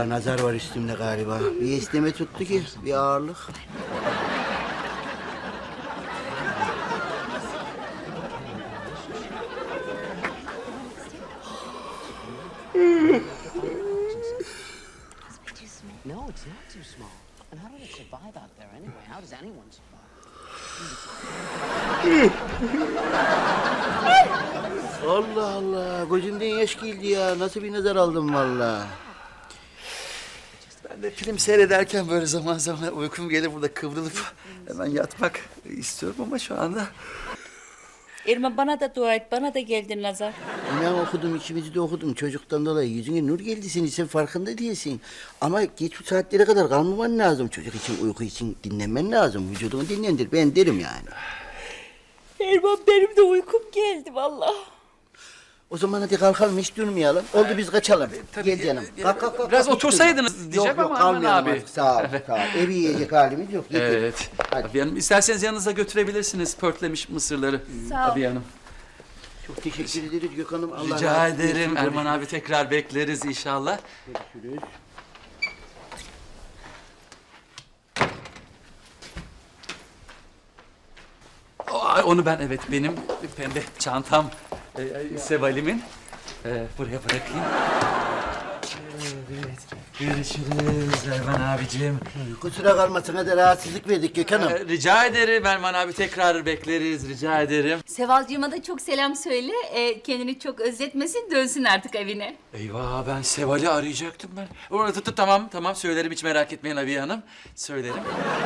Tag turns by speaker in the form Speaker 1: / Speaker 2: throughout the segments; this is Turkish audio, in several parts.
Speaker 1: Ya nazar var üstümde galiba. Bir esneme tuttu ki, bir ağırlık.
Speaker 2: No, it's not too small. And how do they survive out there anyway? How does anyone survive?
Speaker 1: Allah Allah, gözümden yaş geldi ya. Nasıl bir nazar aldım vallahi.
Speaker 3: Ben de film seyrederken böyle zaman zaman uykum gelir burada kıvrılıp hemen yatmak istiyorum ama şu anda...
Speaker 4: Erman bana da dua et, bana da geldi nazar.
Speaker 1: İnan okudum, ikimizi de okudum. Çocuktan dolayı yüzüne nur geldi senin, sen farkında değilsin. Ama geç bu saatlere kadar kalmaman lazım. Çocuk için, uyku için dinlenmen lazım. Vücudunu dinlendir, ben derim yani.
Speaker 4: Erman benim de uykum geldi vallahi.
Speaker 1: O zaman hadi kalkalım, hiç durmayalım. Oldu biz kaçalım. Gel canım. Kalk, kalk, kalk.
Speaker 3: Biraz
Speaker 1: kalk,
Speaker 3: otursaydınız
Speaker 1: hiç durma.
Speaker 3: diyeceğim
Speaker 1: yok,
Speaker 3: ama
Speaker 1: yok,
Speaker 3: Erman
Speaker 1: kalmayalım
Speaker 3: abi.
Speaker 1: artık. Sağ ol, sağ ol. Evi yiyecek halimiz yok. Getir.
Speaker 3: Evet.
Speaker 1: Hadi.
Speaker 3: Abi Hanım isterseniz yanınıza götürebilirsiniz pörtlemiş mısırları.
Speaker 4: Sağ ol.
Speaker 3: Abi Hanım.
Speaker 1: Çok teşekkür ederiz Gökhan'ım. Allah
Speaker 3: Rica
Speaker 1: razı olsun.
Speaker 3: ederim. Erman abi tekrar bekleriz inşallah.
Speaker 1: Görüşürüz.
Speaker 3: Onu ben evet benim pembe çantam Seval'imin buraya bırakayım. Evet. Görüşürüz Erman abicim.
Speaker 1: Kusura kalmasın, hadi rahatsızlık verdik Gökhan'ım.
Speaker 3: Rica ederim Erman abi tekrar bekleriz rica ederim.
Speaker 4: Sevalcığıma da çok selam söyle. Kendini çok özletmesin, dönsün artık evine.
Speaker 3: Eyvah ben Seval'i arayacaktım ben. Tamam söylerim hiç merak etmeyin Abiye Hanım. Söylerim.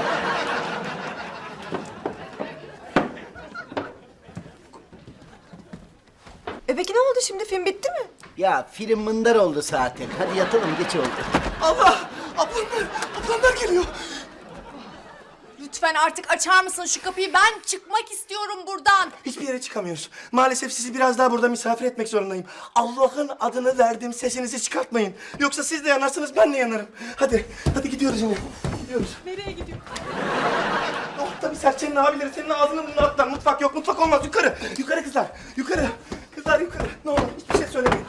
Speaker 5: Peki ne oldu şimdi? Film bitti mi?
Speaker 1: Ya film mındar oldu zaten. Hadi yatalım, geç oldu.
Speaker 5: Allah! Ablamlar geliyor. Lütfen artık açar mısın şu kapıyı? Ben çıkmak istiyorum buradan.
Speaker 6: Hiçbir yere çıkamıyoruz. Maalesef sizi biraz daha burada misafir etmek zorundayım. Allah'ın adını verdim, sesinizi çıkartmayın. Yoksa siz de yanarsınız, ben de yanarım. Hadi gidiyoruz yine. Gidiyoruz.
Speaker 5: Nereye gidiyor?
Speaker 6: Oh tabii Serçe'nin abileri senin ağzını burnunu atlar. Mutfak yok, mutfak olmaz. Yukarı, yukarı kızlar. Yukarı, kızlar yukarı. Ne olur hiçbir şey söylemeyin.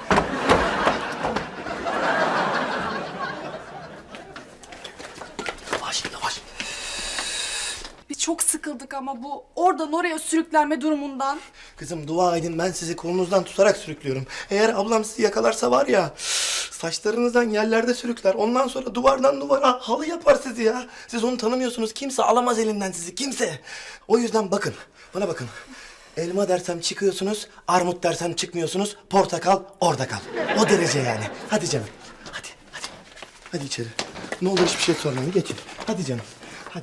Speaker 6: Yavaş.
Speaker 5: Biz çok sıkıldık ama bu oradan oraya sürüklenme durumundan.
Speaker 6: Kızım dua edin, ben sizi kolunuzdan tutarak sürüklüyorum. Eğer ablam sizi yakalarsa var ya, saçlarınızdan yerlerde sürükler. Ondan sonra duvardan duvara halı yapar sizi ya. Siz onu tanımıyorsunuz. Kimse alamaz elinden sizi, kimse. O yüzden bakın, bana bakın. Elma dersem çıkıyorsunuz, armut dersem çıkmıyorsunuz, portakal orada kal. O derece yani. Hadi canım, hadi. Hadi içeri. Ne olur hiçbir şey sormayın, geçin. Hadi canım, hadi.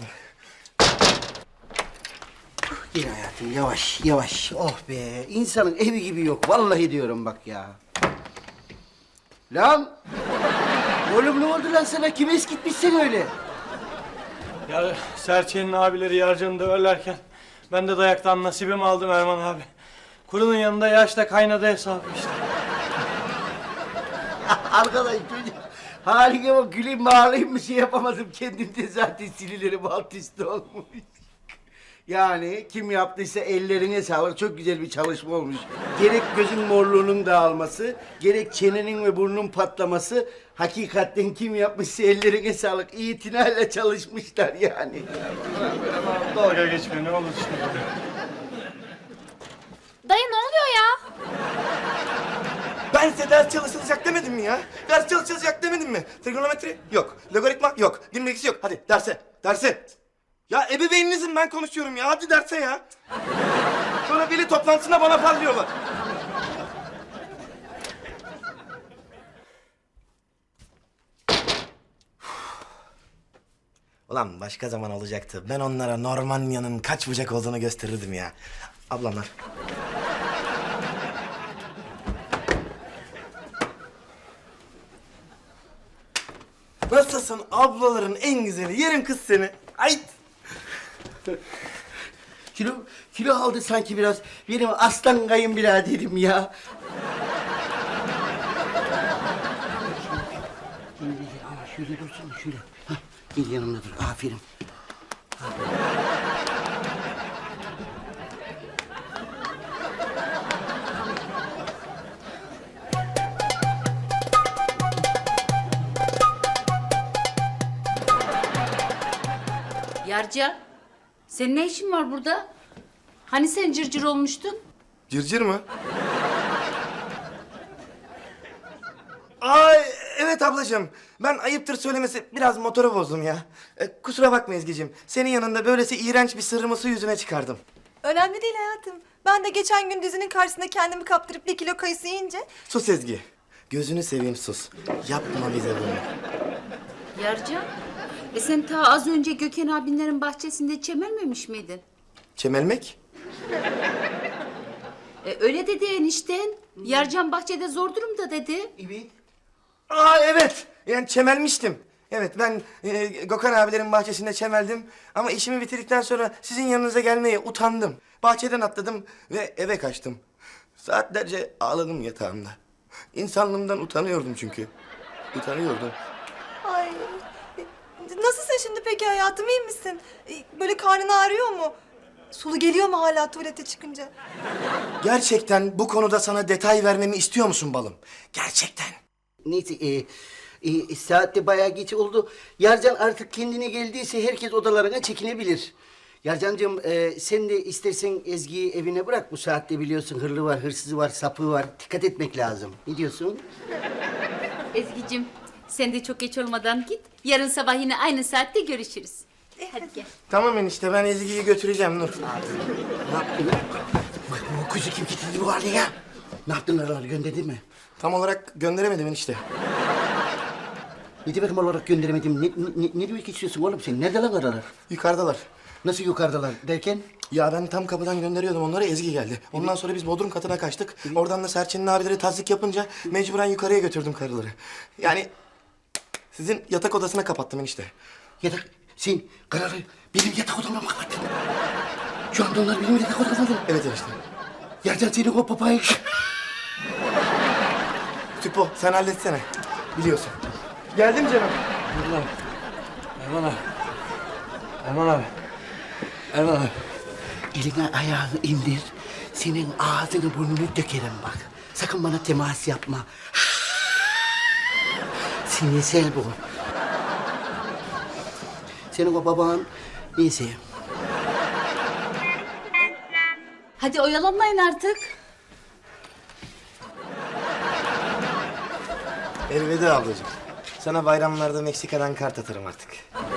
Speaker 1: Gel hayatım, yavaş yavaş. Oh be, insanın evi gibi yok. Vallahi diyorum bak ya. Lan! Oğlum ne oldu lan sana? Kim eskitmişsin öyle?
Speaker 7: Ya Serçe'nin abileri Yarcan'ı döverlerken ben de dayaktan nasibimi aldım Erman abi. Kurunun yanında yaşta kaynadı hesabı işte.
Speaker 1: Arkadaş çocuk haline bak, güleyim mi ağlayayım mı şey yapamadım. Kendimde zaten sinirlerim alt üst olmuş. Yani kim yaptıysa ellerine sağlık. Çok güzel bir çalışma olmuş. Gerek gözün morluğunun dağılması, gerek çenenin ve burnunun patlaması. Hakikaten kim yapmışsa ellerine sağlık. İtinayla çalışmışlar yani.
Speaker 7: Dalga geçme ne olur şimdi.
Speaker 8: Dayı ne oluyor ya?
Speaker 6: Ben size ders çalışılacak demedim mi ya? Ders çalışılacak demedim mi? Trigonometri yok. Logaritma yok. Din bilgisi yok. Hadi derse. Ya ebeveyninizim, ben konuşuyorum ya. Hadi derse ya. Sonra veli toplantısında bana parlıyorlar. Ulan başka zaman olacaktı. Ben onlara Normanya'nın kaç bucak olduğunu gösterirdim ya. Ablamlar. Nasılsın ablaların en güzeli? Yerim kız seni. Ay.
Speaker 1: Kilo aldı sanki biraz. Benim aslan kayınbiraderim ya. Ama şöyle dursun, şöyle. Hah, gel yanımda dur, aferin.
Speaker 4: Yarca, senin ne işin var burada? Hani sen cırcır olmuştun?
Speaker 6: Cırcır mı? Ay evet ablacığım. Ben ayıptır söylemesi biraz motoru bozdum ya. Kusura bakma Ezgi'cim. Senin yanında böylesi iğrenç bir sırrımı su yüzüne çıkardım.
Speaker 8: Önemli değil hayatım. Ben de geçen gün dizinin karşısında kendimi kaptırıp 1 kilo kayısı yiyince...
Speaker 6: Sus Ezgi. Gözünü seveyim sus. Yapma bize bunu.
Speaker 4: Yarca, sen ta az önce Gökhan abinlerin bahçesinde çemelmemiş miydin?
Speaker 6: Çemelmek?
Speaker 4: Öyle dedi enişten. Yarcan bahçede zor durumda dedi.
Speaker 1: Evet.
Speaker 6: Aa evet. Yani çemelmiştim. Evet ben Gökhan abilerin bahçesinde çemeldim. Ama işimi bitirdikten sonra sizin yanınıza gelmeye utandım. Bahçeden atladım ve eve kaçtım. Saatlerce ağladım yatağımda. İnsanlığımdan utanıyordum çünkü. Utanıyordum.
Speaker 8: Ay. Nasılsın şimdi peki hayatım, iyi misin? Böyle karnın ağrıyor mu? Sulu geliyor mu hala tuvalete çıkınca?
Speaker 6: Gerçekten bu konuda sana detay vermemi istiyor musun balım? Gerçekten.
Speaker 1: Neyse saat de bayağı geç oldu. Yarcan artık kendine geldiyse herkes odalarına çekinebilir. Yarcancığım sen de istersen Ezgi'yi evine bırak. Bu saatte biliyorsun hırlı var, hırsızı var, sapığı var. Dikkat etmek lazım. Ne diyorsun?
Speaker 4: Ezgi'cim, sen de çok geç olmadan git. Yarın sabah yine aynı saatte görüşürüz. Hadi gel.
Speaker 6: Tamam enişte ben Ezgi'yi götüreceğim Nur.
Speaker 1: Ne yaptın? Bak bu kuzu kim getirdi bu hale ya? Ne yaptın araları gönderdin mi?
Speaker 6: Tam olarak gönderemedim enişte.
Speaker 1: Ne demek olarak gönderemedim? Ne demek istiyorsun oğlum sen? Nerede lan aralar?
Speaker 6: Yukarıdalar.
Speaker 1: Nasıl yukarıdalar derken?
Speaker 6: Ya ben tam kapıdan gönderiyordum onları, Ezgi geldi. Ondan sonra biz bodrum katına kaçtık. Oradan da Serçin'in abileri tazik yapınca mecburen yukarıya götürdüm karıları. Yani sizin yatak odasına kapattım enişte.
Speaker 1: Yatak, sen kararı benim yatak odama mı kapattın? Şu anda onlar benim yatak odamda.
Speaker 6: Evet enişte.
Speaker 1: Yarcan senin o papayı...
Speaker 6: Tüpo sen halletsene. Biliyorsun. Geldim canım.
Speaker 7: Erman abi. Erman abi. Erman abi.
Speaker 1: Eline ayağını indir. Senin ağzını burnunu dökerim bak. Sakın bana temas yapma. Sinirsel bu. Senin o baban neyse.
Speaker 4: Hadi oyalanmayın artık.
Speaker 6: Elveda ablacığım. Sana bayramlarda Meksika'dan kart atarım artık.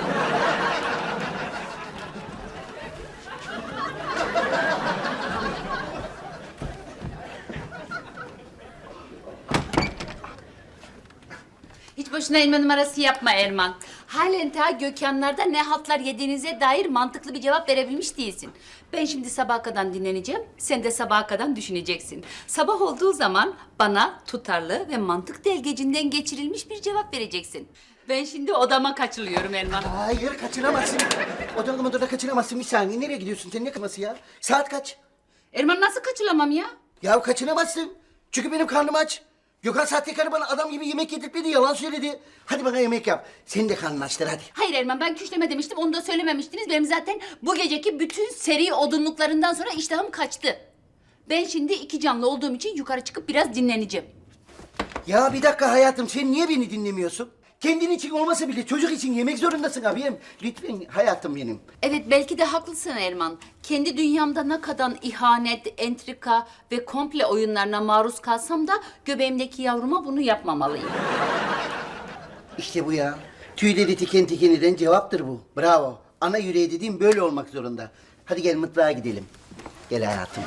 Speaker 4: Hiç boşuna inme numarası yapma Erman. Halen ta Gökhanlar'da ne haltlar yediğinize dair mantıklı bir cevap verebilmiş değilsin. Ben şimdi sabaha kadar dinleneceğim, sen de sabaha kadar düşüneceksin. Sabah olduğu zaman bana tutarlı ve mantık delgecinden geçirilmiş bir cevap vereceksin. Ben şimdi odama kaçılıyorum Erman.
Speaker 1: Hayır kaçıramazsın. Odana kaçıramazsın. Bir saniye nereye gidiyorsun sen? Ne kaması ya? Saat kaç?
Speaker 4: Erman nasıl kaçılamam ya?
Speaker 1: Ya kaçıramazsın. Çünkü benim karnım aç. Gökhan sahtekarı bana adam gibi yemek yedirtmedi, yalan söyledi. Hadi bana yemek yap. Senin de karnın açtır hadi.
Speaker 4: Hayır Erman, ben küşleme demiştim, onu da söylememiştiniz. Benim zaten bu geceki bütün seri odunluklarından sonra iştahım kaçtı. Ben şimdi iki canlı olduğum için yukarı çıkıp biraz dinleneceğim.
Speaker 1: Ya bir dakika hayatım, sen niye beni dinlemiyorsun? Kendin için olmasa bile çocuk için yemek zorundasın abim. Lütfen hayatım benim.
Speaker 4: Evet, belki de haklısın Erman. Kendi dünyamda ne kadar ihanet, entrika ve komple oyunlarına maruz kalsam da göbeğimdeki yavruma bunu yapmamalıyım.
Speaker 1: İşte bu ya. Tüyleri tiken tiken eden cevaptır bu. Bravo. Ana yüreği dediğim böyle olmak zorunda. Hadi gel mutfağa gidelim. Gel hayatım.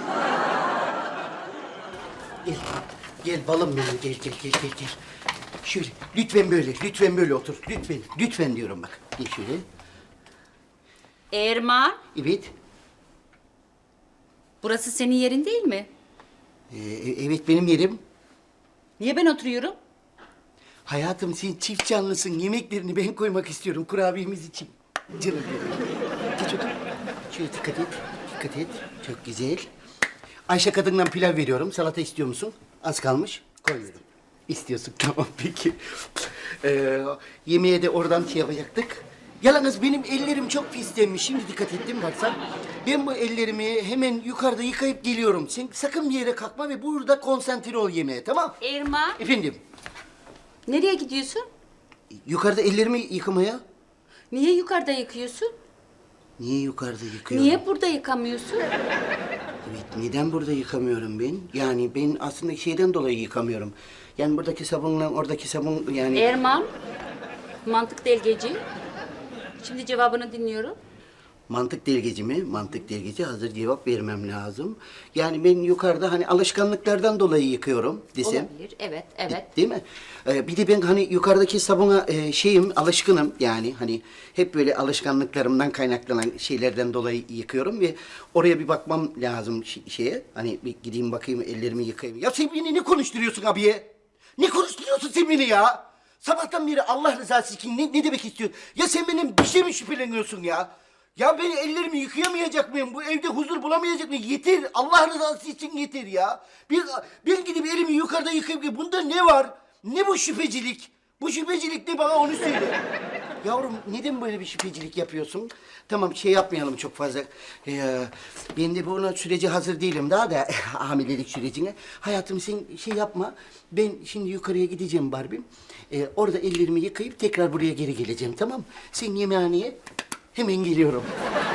Speaker 1: Gel. Gel balım benim. Gel. Şöyle lütfen böyle otur. Lütfen diyorum bak. Gel şöyle.
Speaker 4: Erman,
Speaker 1: Evet.
Speaker 4: burası senin yerin değil mi?
Speaker 1: Evet benim yerim.
Speaker 4: Niye ben oturuyorum?
Speaker 1: Hayatım sen çift canlısın. Yemeklerini ben koymak istiyorum kurabiyemiz için. Canım benim. Geç otur. Şöyle dikkat et. Çok güzel. Ayşe kadından pilav veriyorum. Salata istiyor musun? Az kalmış. Koyuyorum. İstiyorsun. Tamam peki. Yemeğe de oradan şey yapacaktık. Yalnız benim ellerim çok pislenmiş. Şimdi dikkat ettim baksan. Ben bu ellerimi hemen yukarıda yıkayıp geliyorum. Sen sakın bir yere kalkma ve burada konsantre ol yemeğe, tamam?
Speaker 4: Erman,
Speaker 1: Efendim?
Speaker 4: nereye gidiyorsun?
Speaker 1: Yukarıda ellerimi yıkamaya.
Speaker 4: Niye yukarıda yıkıyorsun?
Speaker 1: Niye yukarıda yıkıyorum?
Speaker 4: Niye burada yıkamıyorsun?
Speaker 1: Evet, neden burada yıkamıyorum ben? Yani ben aslında şeyden dolayı yıkamıyorum. Yani buradaki sabunla oradaki sabun yani...
Speaker 4: Erman, mantık delgeci. Şimdi cevabını dinliyorum.
Speaker 1: Mantık delgeci mi? Mantık delgeci. Hazır cevap vermem lazım. Yani ben yukarıda hani alışkanlıklardan dolayı yıkıyorum desem.
Speaker 4: Olabilir, evet, evet.
Speaker 1: Değil mi? Bir de ben hani yukarıdaki sabuna alışkınım yani hani hep böyle alışkanlıklarımdan kaynaklanan şeylerden dolayı yıkıyorum ve oraya bir bakmam lazım şeye. Hani bir gideyim bakayım ellerimi yıkayayım. Ya sen beni ne konuşturuyorsun abiye? Ne konuşturuyorsun sen beni ya? Sabahtan beri Allah rızası için ne demek istiyorsun? Ya sen benim bir şey mi şüpheleniyorsun ya? Ya ben ellerimi yıkayamayacak mıyım? Bu evde huzur bulamayacak mıyım? Yeter. Allah rızası için yeter ya. Ben gidip elimi yukarıda yıkayıp bunda ne var? Ne bu şüphecilik? Bu şüphecilik ne bana onu söyle. Yavrum neden böyle bir şüphecilik yapıyorsun? Tamam şey yapmayalım çok fazla. Ben de buna sürece hazır değilim daha da hamilelik sürecine. Hayatım sen şey yapma. Ben şimdi yukarıya gideceğim Barbie'm. Orada ellerimi yıkayıp tekrar buraya geri geleceğim tamam mı? Sen yemeğhaneye hemen geliyorum.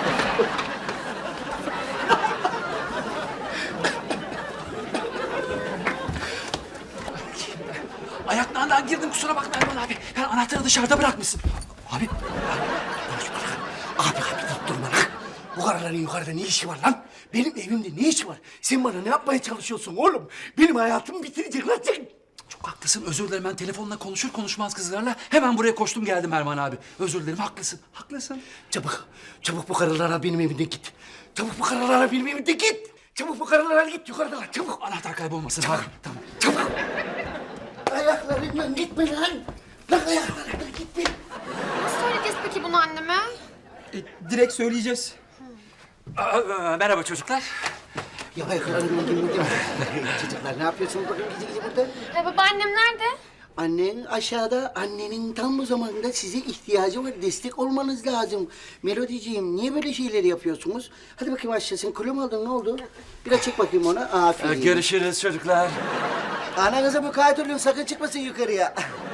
Speaker 3: Ayaklarından girdim kusura bakma Erman abi. Yani anahtarı dışarıda bırakmışsın. Abi.
Speaker 1: Abi deyip durma lan. Bu karıların yukarıda ne işi var lan? Benim evimde ne işi var? Sen bana ne yapmaya çalışıyorsun oğlum? Benim hayatımı bitirecek lan sen.
Speaker 3: Çok haklısın özür dilerim ben telefonla konuşur konuşmaz kızlarla hemen buraya koştum geldim Erman abi. Özür dilerim haklısın haklısın.
Speaker 1: Çabuk bu karılara benim evimde git. Çabuk bu karılara benim evimde git. Çabuk bu karılara git yukarıdalar çabuk.
Speaker 3: Anahtar kaybolmasın abi. Tamam.
Speaker 1: Çabuk. Ayaklarından gitme lan. Lan ayaklarından gitme.
Speaker 9: Nasıl söyleyeceğiz peki bunu anneme?
Speaker 3: Direkt söyleyeceğiz. Merhaba çocuklar.
Speaker 1: Ya ayaklarından gitme. Çocuklar ne yapıyorsunuz bakın gece burada?
Speaker 9: Babaannem nerede?
Speaker 1: Annen aşağıda, annenin tam bu zamanda size ihtiyacı var. Destek olmanız lazım. Melodiciğim, niye böyle şeyleri yapıyorsunuz? Hadi bakayım aşağısın. Kilo mu aldın, ne oldu? Biraz çek bakayım ona. Aferin.
Speaker 3: Görüşürüz çocuklar.
Speaker 1: Ananıza mukayyet olun, sakın çıkmasın yukarıya.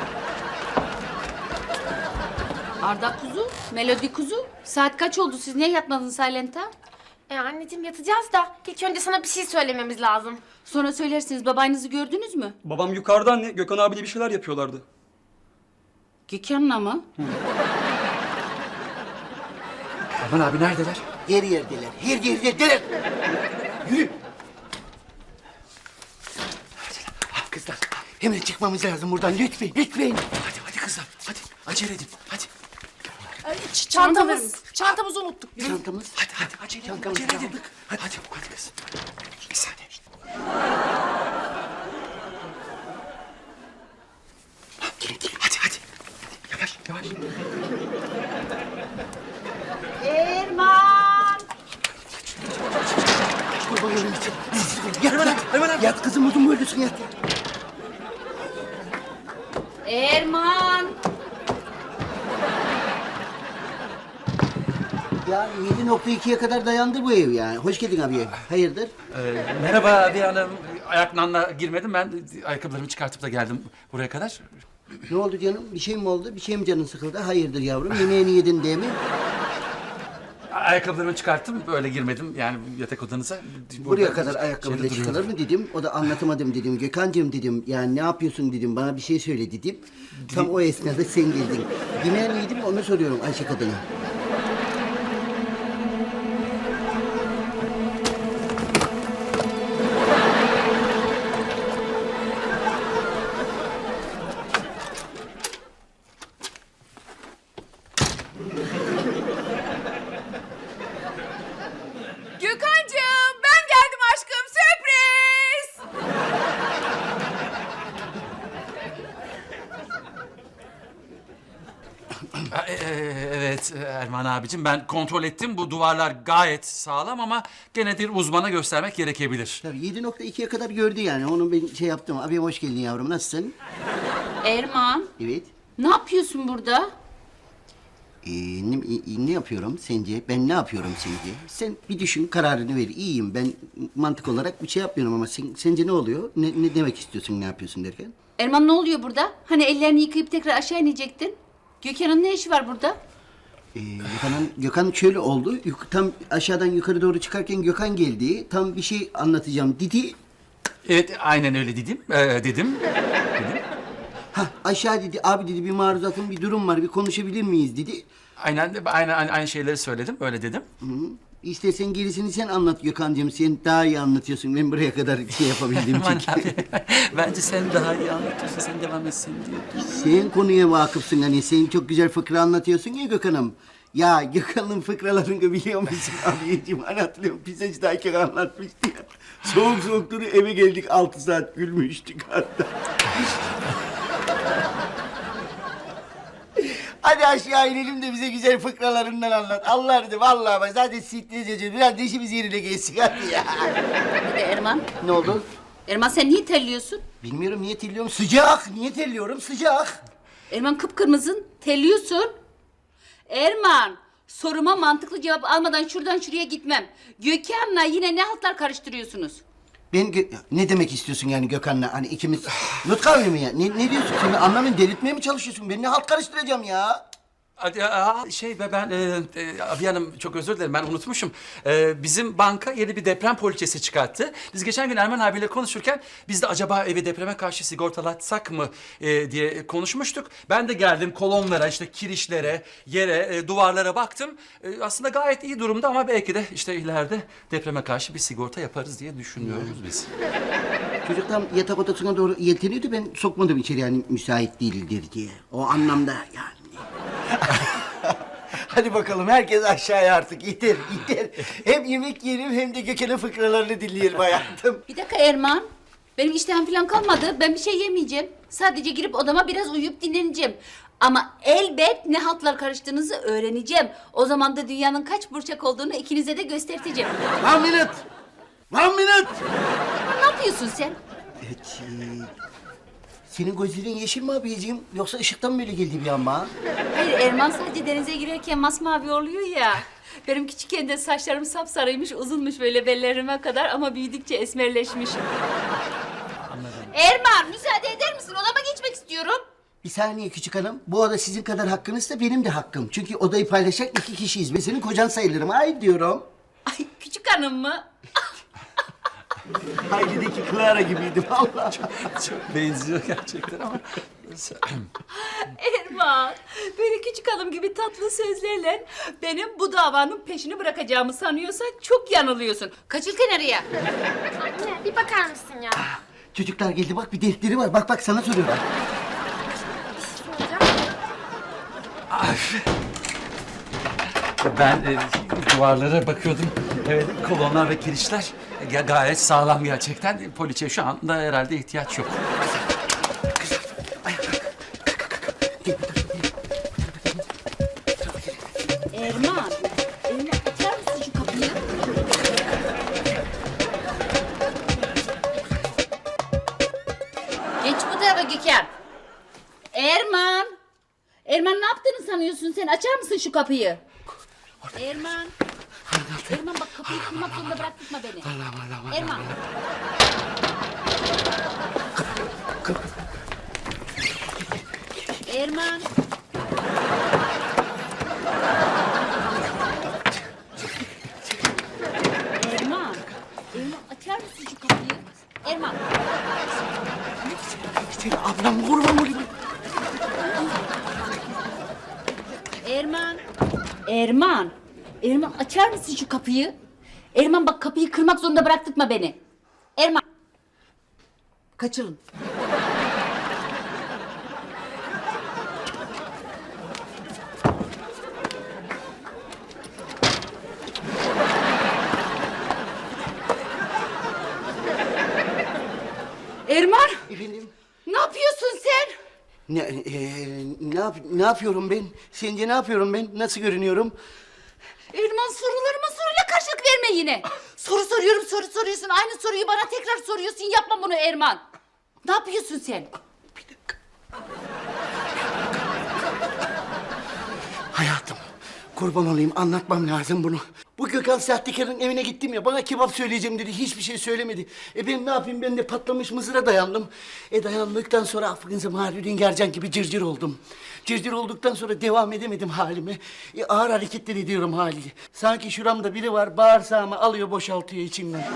Speaker 4: Arda kuzu, Melodi kuzu. Saat kaç oldu? Siz niye yatmadınız Silent'a?
Speaker 9: Anneciğim yatacağız da ilk önce sana bir şey söylememiz lazım.
Speaker 4: Sonra söylersiniz. Babanızı gördünüz mü?
Speaker 10: Babam yukarıda anne. Gökhan abiyle bir şeyler yapıyorlardı.
Speaker 4: Gökhan'la mı?
Speaker 3: Erman abi neredeler?
Speaker 1: Her yerdeler, her yerdeler. Yürü. Kızlar, hemen çıkmamız lazım buradan. Lütfen.
Speaker 3: Hadi kızlar hadi acele edin hadi.
Speaker 5: Çantamızı unuttuk.
Speaker 1: Çantamız.
Speaker 3: Hadi acele edin
Speaker 1: Çantamızı
Speaker 3: acele edin.
Speaker 1: aldık.
Speaker 3: Hadi kız. Bir saniye.
Speaker 1: Gelin.
Speaker 3: Hadi. Yavaş.
Speaker 4: Erman!
Speaker 1: Kurban olayım için. Yat. Yat kızım uzun boylusun yat.
Speaker 4: Erman!
Speaker 1: Ya 7.2'ye kadar dayandı bu ev yani. Hoş geldin abi. Hayırdır?
Speaker 3: Merhaba abi hanım. Ayaklanla girmedim ben ayakkabılarımı çıkartıp da geldim buraya kadar.
Speaker 1: Ne oldu canım? Bir şey mi oldu? Bir şey mi canın sıkıldı? Hayırdır yavrum? Yemeğini yedin değil mi?
Speaker 3: Ayakkabılarımı çıkarttım böyle girmedim yani yatak odanıza.
Speaker 1: Buraya
Speaker 3: Burada
Speaker 1: kadar ayakkabıyla
Speaker 3: şeyde
Speaker 1: çıkılır
Speaker 3: duruyorum.
Speaker 1: mı dedim. O da anlatamadım dedim. Gökhan'cığım dedim. Yani ne yapıyorsun dedim. Bana bir şey söyle dedim. Tam o esnada sen geldin. Yemeğini yedim mi onu soruyorum Ayşe kadına.
Speaker 5: Gökhan'cığım ben geldim aşkım sürpriz.
Speaker 3: Evet Erman abicim ben kontrol ettim bu duvarlar gayet sağlam ama gene bir uzmana göstermek gerekebilir.
Speaker 1: Tabii 7.2'ye kadar gördü yani. Onu ben şey yaptım. Abi hoş geldin yavrum. Nasılsın?
Speaker 4: Erman,
Speaker 1: Evet.
Speaker 4: ne yapıyorsun burada?
Speaker 1: Ne yapıyorum sence? Ben ne yapıyorum sence? Sen bir düşün, kararını ver. İyiyim. Ben mantık olarak bir şey yapmıyorum ama sence ne oluyor? Ne demek istiyorsun, ne yapıyorsun derken?
Speaker 4: Erman ne oluyor burada? Hani ellerini yıkayıp tekrar aşağı inecektin. Gökhan'ın ne işi var burada?
Speaker 1: Gökhan şöyle oldu. Tam aşağıdan yukarı doğru çıkarken Gökhan geldi. Tam bir şey anlatacağım dedi.
Speaker 3: Evet, aynen öyle dedim.
Speaker 1: Ha aşağı dedi, abi dedi bir maruzatın bir durum var, bir konuşabilir miyiz dedi.
Speaker 3: Aynen şeyleri söyledim, öyle dedim.
Speaker 1: İstersen gerisini sen anlat Gökhan'cığım. Sen daha iyi anlatıyorsun. Ben buraya kadar şey yapabildiğim
Speaker 3: Aman
Speaker 1: için.
Speaker 3: abi, bence sen daha iyi anlatıyorsun, sen devam etsin diye.
Speaker 1: Sen konuya vakıfsın hani. Sen çok güzel fıkra anlatıyorsun ya Gökhan'ım. Ya Gökhan'ın fıkralarını biliyor musun abiciğim? Hani hatırlıyorum pizzacıdayken anlatmıştı ya. Soğuk soğuk duruyor eve geldik 6 saat gülmüştük hatta. Hadi aşağı inelim de bize güzel fıkralarından anlat. Allah dedi vallahi bak zaten sittireceğiz. Biraz da işimiz yerine geçsin hadi ya.
Speaker 4: Hadi Erman.
Speaker 1: Ne oldu?
Speaker 4: Erman sen niye terliyorsun?
Speaker 1: Bilmiyorum niye terliyorum. Sıcak. Niye terliyorum? Sıcak.
Speaker 4: Erman kıpkırmızın, terliyorsun. Erman, soruma mantıklı cevap almadan şuradan şuraya gitmem. Gökhan'la yine ne haltlar karıştırıyorsunuz?
Speaker 1: Ne demek istiyorsun yani Gökhan'la? Hani ikimiz not kavmi mi ya? Ne diyorsun? Sen anlamıyorum delirtmeye mi çalışıyorsun? Ben ne halt karıştıracağım ya?
Speaker 3: Hadi, ben abi hanım çok özür dilerim, ben unutmuşum. Bizim banka yeni bir deprem poliçesi çıkarttı. Biz geçen gün Erman abiyle konuşurken biz de acaba evi depreme karşı sigortalatsak mı diye konuşmuştuk. Ben de geldim kolonlara, işte kirişlere, yere, duvarlara baktım. Aslında gayet iyi durumda ama belki de işte ileride depreme karşı bir sigorta yaparız diye düşünüyoruz biz.
Speaker 1: Çocuk tam yatak odasına doğru yelteniyordu. Ben sokmadım içeri yani müsait değildir diye. O anlamda yani. Hadi bakalım herkes aşağıya artık iter. Hem yemek yiyelim hem de Gökhan'ın fıkralarını dinleyelim hayatım.
Speaker 4: Bir dakika Erman. Benim iştahım falan kalmadı. Ben bir şey yemeyeceğim. Sadece girip odama biraz uyuyup dinleneceğim. Ama elbet ne haltlar karıştığınızı öğreneceğim. O zaman da dünyanın kaç burçak olduğunu ikinize de göstereceğim.
Speaker 1: 1 minute.
Speaker 4: Ne yapıyorsun sen?
Speaker 1: Evet, senin gözlerin yeşil mi abiciğim? Yoksa ışıktan mı böyle geldi bir an bana?
Speaker 4: Hayır Erman sadece denize girerken masmavi oluyor ya. Benim küçükken de saçlarım sapsarıymış, uzunmuş böyle bellerime kadar ama büyüdükçe esmerleşmiş. Erman müsaade eder misin? Odama geçmek istiyorum.
Speaker 1: Bir saniye küçük hanım. Bu oda sizin kadar hakkınızsa benim de hakkım. Çünkü odayı paylaşacak 2 kişiyiz. Ben senin kocan sayılırım. Hayır diyorum.
Speaker 4: Ay küçük hanım mı?
Speaker 1: Haydi'deki Clara gibiydim Allah.
Speaker 3: Çok benziyor gerçekten ama.
Speaker 4: Erman, böyle küçük hanım gibi tatlı sözlerle benim bu davanın peşini bırakacağımı sanıyorsan çok yanılıyorsun. Kaçıl kenarıya.
Speaker 9: Anne bir bakar mısın ya?
Speaker 1: Çocuklar geldi bak bir defteri var. Bak sana soruyorlar.
Speaker 3: Ben duvarlara bakıyordum. Evet, kolonlar ve kirişler gayet sağlam gerçekten. Poliçeye şu anda herhalde ihtiyaç yok.
Speaker 4: Erman, açar mısın şu kapıyı? Geç bu tarafa Gökhan. Erman. Erman ne yaptığını sanıyorsun sen? Açar mısın şu kapıyı? Erman. Erman bak kapıyı kırmak zorunda bıraktırma beni. Erman. Erman. Erman. Erman açar mısın şu kapıyı? Erman.
Speaker 1: Seni ablam kurban olayım.
Speaker 4: Erman. Erman. Erman açar mısın şu kapıyı? Erman bak kapıyı kırmak zorunda bıraktırma beni. Erman. Kaçırın. Erman.
Speaker 1: Efendim?
Speaker 4: Ne yapıyorsun sen?
Speaker 1: Ne yapıyorum ben? Sence ne yapıyorum ben? Nasıl görünüyorum?
Speaker 4: Erman sorularıma soruyla karşılık verme yine. Soru soruyorum, soru soruyorsun. Aynı soruyu bana tekrar soruyorsun. Yapma bunu Erman. Ne yapıyorsun sen?
Speaker 1: Bir dakika. Hayatım, Kurban olayım, anlatmam lazım bunu. Bu Gökhan sahtekarın evine gittim ya, bana kebap söyleyeceğim dedi, hiçbir şey söylemedi. Ben ne yapayım, ben de patlamış mızıra dayandım. Dayandıktan sonra affınıza Mahidin Gercan gibi cırcır oldum. Cırcır olduktan sonra devam edemedim halime. Ağır hareketler ediyorum haliyle. Sanki şuramda biri var, bağırsağımı alıyor, boşaltıyor içimden.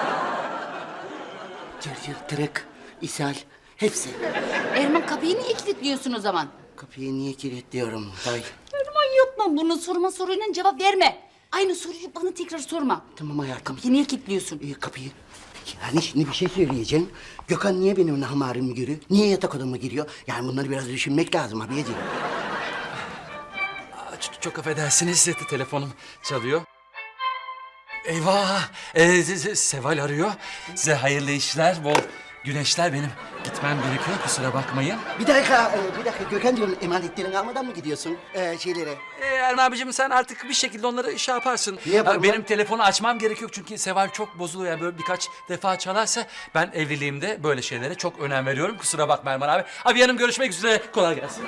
Speaker 1: Cırcır, tırık, ishal, hepsi.
Speaker 4: Erman kapıyı niye kilitliyorsun o zaman?
Speaker 1: Kapıyı niye kilitliyorum dayı?
Speaker 4: Erman yapma bunu, soruyla cevap verme. Aynı soruyu bana tekrar sorma.
Speaker 1: Tamam hayatım.
Speaker 4: Kapıyı niye kilitliyorsun?
Speaker 1: Kapıyı. Yani şimdi bir şey söyleyeceğim. Gökhan niye benim namarımı giriyor? Niye yatak odama giriyor? Yani bunları biraz düşünmek lazım abiyeciğim.
Speaker 3: Çok affedersiniz, telefonum çalıyor. Eyvah! Seval arıyor. Size hayırlı işler, bol güneşler. Benim gitmem gerekiyor, kusura bakmayın.
Speaker 1: Bir dakika Gökhan diyorum, emanetlerini almadan mı gidiyorsun şeylere?
Speaker 3: Erman abicim sen artık bir şekilde onları şey yaparsın.
Speaker 1: Ne yaparım
Speaker 3: Benim
Speaker 1: lan?
Speaker 3: telefonu açmam gerekiyor çünkü Seval çok bozuluyor. Yani böyle birkaç defa çalarsa ben evliliğimde böyle şeylere çok önem veriyorum. Kusura bakma Erman abi. Abi yanım görüşmek üzere. Kolay gelsin.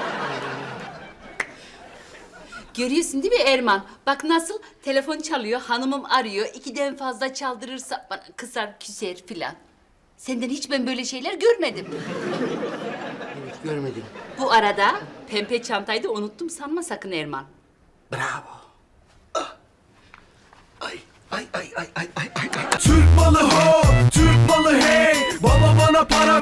Speaker 4: Görüyorsun değil mi Erman? Bak nasıl telefon çalıyor, hanımım arıyor. 2'den fazla çaldırırsa bana kızar, küser filan. Senden hiç ben böyle şeyler görmedim.
Speaker 1: Evet, görmedim.
Speaker 4: Bu arada pembe çantayı da unuttum sanma sakın Erman.
Speaker 1: Bravo. Ah. Ay.
Speaker 11: Türk malı ho, Türk malı hey. Baba bana para